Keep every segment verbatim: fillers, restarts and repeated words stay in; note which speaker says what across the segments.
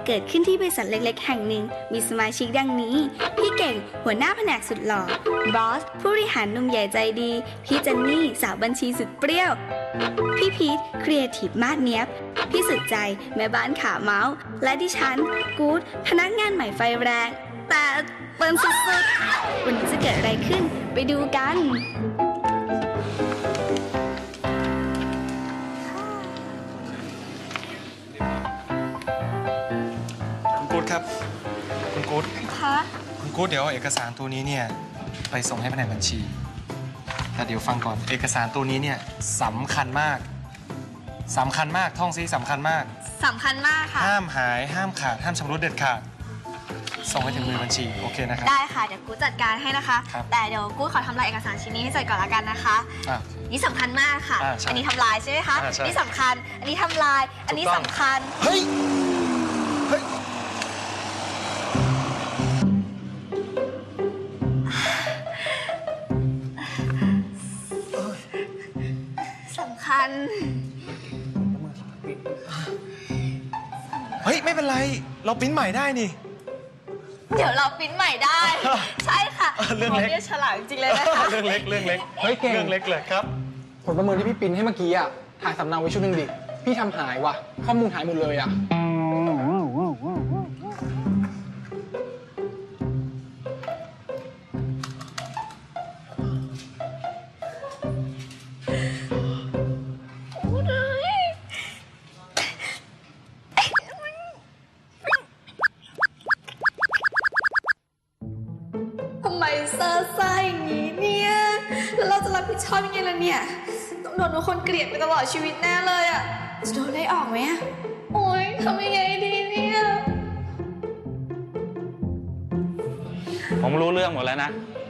Speaker 1: เกิดขึ้นที่บริษัทเล็กๆแห่งหนึ่งมีสมาชิกดังนี้พี่เก่งหัวหน้าแผนกสุดหล่อบอสผู้บริหารหนุ่มใหญ่ใจดีพี่เจนนี่สาวบัญชีสุดเปรี้ยวพี่พีทครีเอทีฟมาดเนียบพี่สุดใจแม่บ้านขาเมาส์และดิฉันกู๊ดพนักงานใหม่ไฟแรงแต่เปิ่นสุดๆวันนี้จะเกิดอะไรขึ้นไปดูกัน
Speaker 2: คุณกู๊ดครับคุณกู๊ด
Speaker 1: คะ
Speaker 2: คุณกู๊ดเดี๋ยวเอาเอกสารตัวนี้เนี่ยไปส่งให้แผนกบัญชีแต่เดี๋ยวฟังก่อนเอกสารตัวนี้เนี่ยสำคัญมากสำคัญมากท่องซิสำคัญมาก
Speaker 1: สำคัญมากค่ะ
Speaker 2: ห้ามหายห้ามขาดห้ามชำรุดเด็ดขาดส่งให้ถึงมือบัญชีโอเคนะครับ
Speaker 1: ได้ค่ะเดี๋ยวกูจัดการให้นะคะแต่เดี๋ยวกูขอทำลายเอกสารชิ้นนี้ให้เสร็จก่อนละกันนะคะนี่สำคัญมากค่ะอันนี้ทำลายใช่ไหมคะนี่สำคัญอันนี้ทำลายอันนี้สำคัญ
Speaker 2: เฮ้ยเฮ้ย
Speaker 1: สำคัญ
Speaker 2: เฮ้ยไม่เป็นไรเราปริ้นใหม่ได้นี่
Speaker 1: เดี๋ยวเราปริ้นใหม่ได้ใช่ค่ะ
Speaker 2: เรื่องเล็ก
Speaker 1: ฉลาดจริงเลยนะคะ
Speaker 2: เรื่องเล็กเรื่องเล็ก
Speaker 3: เฮ้ยเก่ง
Speaker 2: เรื่องเล็กเลยครับ
Speaker 3: ผลประเมินที่พี่ปริ้นให้เมื่อกี้อ่ะถ่ายสำเนาไว้ชุดหนึ่งดิพี่ทำหายว่ะข้อมูลหายหมดเลยอ่ะ
Speaker 1: ทำไมเซอร์ซ่าอย่างนี้เนี่ยแล้วเราจะรับผิดชอบยังไงล่ะเนี่ยต้องโดนทุกคนเกลียดไปตลอดชีวิตแน่เลยอ่ะจะโดนได้ออกไหมอ่ะโอ๊ยทำยังไงดีเนี่ย
Speaker 4: ผมรู้เรื่องหมดแล้วนะ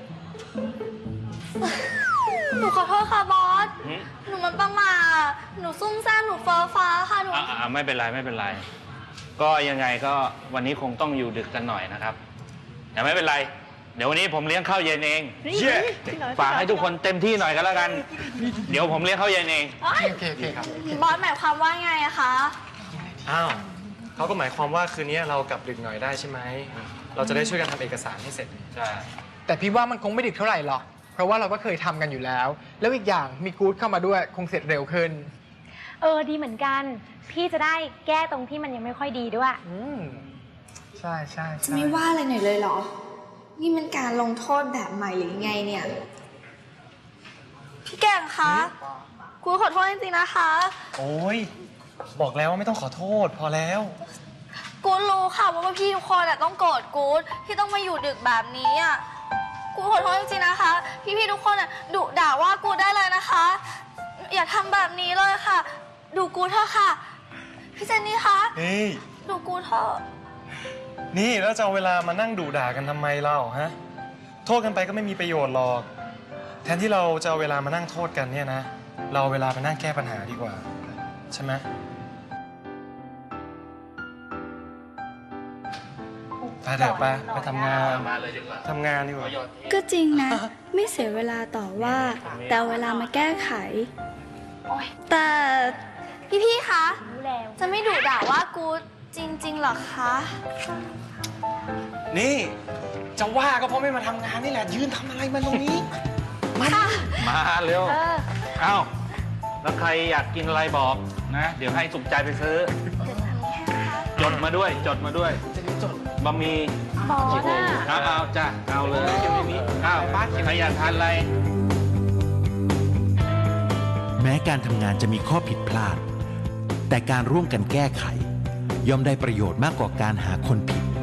Speaker 1: หนูขอโทษค่ะบอสหนูมันประมาทหนูซุ่มซ่ามหนูเฟ้อฟ้าค่ะหนู
Speaker 4: อ่าไม่เป็นไรไม่เป็นไรก็ยังไงก็วันนี้คงต้องอยู่ดึกกันหน่อยนะครับแต่ไม่เป็นไรเดี๋ยววันนี้ผมเลี้ยงข้าวเย็นเองฝากให้ทุกคนเต็มที่หน่อยกันแล้วกันเดี๋ยวผมเลี้ยงข้าวเย็นเอง
Speaker 3: โอเคโอเคครับ
Speaker 1: บอสหมายความว่าไงอะคะ
Speaker 2: อ้าวเขาก็หมายความว่าคืนนี้เรากลับดึกหน่อยได้ใช่ไหมเราจะได้ช่วยกันทำเอกสารให้เสร็จ
Speaker 4: ใช่
Speaker 3: แต่พี่ว่ามันคงไม่ดึกเท่าไหร่หรอกเพราะว่าเราก็เคยทำกันอยู่แล้วแล้วอีกอย่างมีกู๊ดเข้ามาด้วยคงเสร็จเร็วขึ้น
Speaker 5: เออดีเหมือนกันพี่จะได้แก้ตรงที่มันยังไม่ค่อยดีด้วย
Speaker 3: อืมใช่ใช่
Speaker 1: จะไม่ว่าอะไรหน่อยเลยเหรอนี่มันการลงโทษแบบใหม่หรือไงเนี่ยพี่แกงคะกูขอโทษจริงๆนะคะ
Speaker 2: โอ้ยบอกแล้วว่าไม่ต้องขอโทษพอแล้ว
Speaker 1: กูรู้ค่ะว่าพี่ทุกคนต้องโกรธกูที่ต้องมาอยู่ดึกแบบนี้อ่ะกูขอโทษจริงๆนะคะพี่ๆทุกคนดุด่าว่ากูได้เลยนะคะอย่าทำแบบนี้เลยค่ะดูกูเถอะค่ะพี่เจนนี่คะ
Speaker 2: นี่
Speaker 1: ดูกูเถอะ
Speaker 2: นี่แล้วจะเอาเวลามานั่งดุด่ากันทำไมเล่าฮะโทษกันไปก็ไม่มีประโยชน์หรอกแทนที่เราจะเอาเวลามานั่งโทษกันเนี่ยนะเราเอาเวลาไปนั่งแก้ปัญหาดีกว่าใช่ไหมไปเถอะไปไปทำงานทำงานดีกว่า
Speaker 1: ก็จริงนะไม่เสียเวลาต่อว่าแต่เวลามาแก้ไขแต่พี่ๆคะจะไม่ดุด่าว่ากูจริงๆหรอคะ
Speaker 2: นี่จะว่าก็เพราะไม่มาทำงานนี่แหละยืนทำอะไรมาตรงนี้มา
Speaker 4: มาเร็วเอ้าแล้วใครอยากกินอะไรบอกนะเดี๋ยวให้สุขใจไปซื้อจดมาด้วยจดมาด้วยบะหมี่
Speaker 5: บอสอ่ะ
Speaker 4: เอาเอาจ้ะเอาเลยอ้าวใครอยากทานอะไร
Speaker 6: แม้การทำงานจะมีข้อผิดพลาดแต่การร่วมกันแก้ไขย่อมได้ประโยชน์มากกว่าการหาคนผิด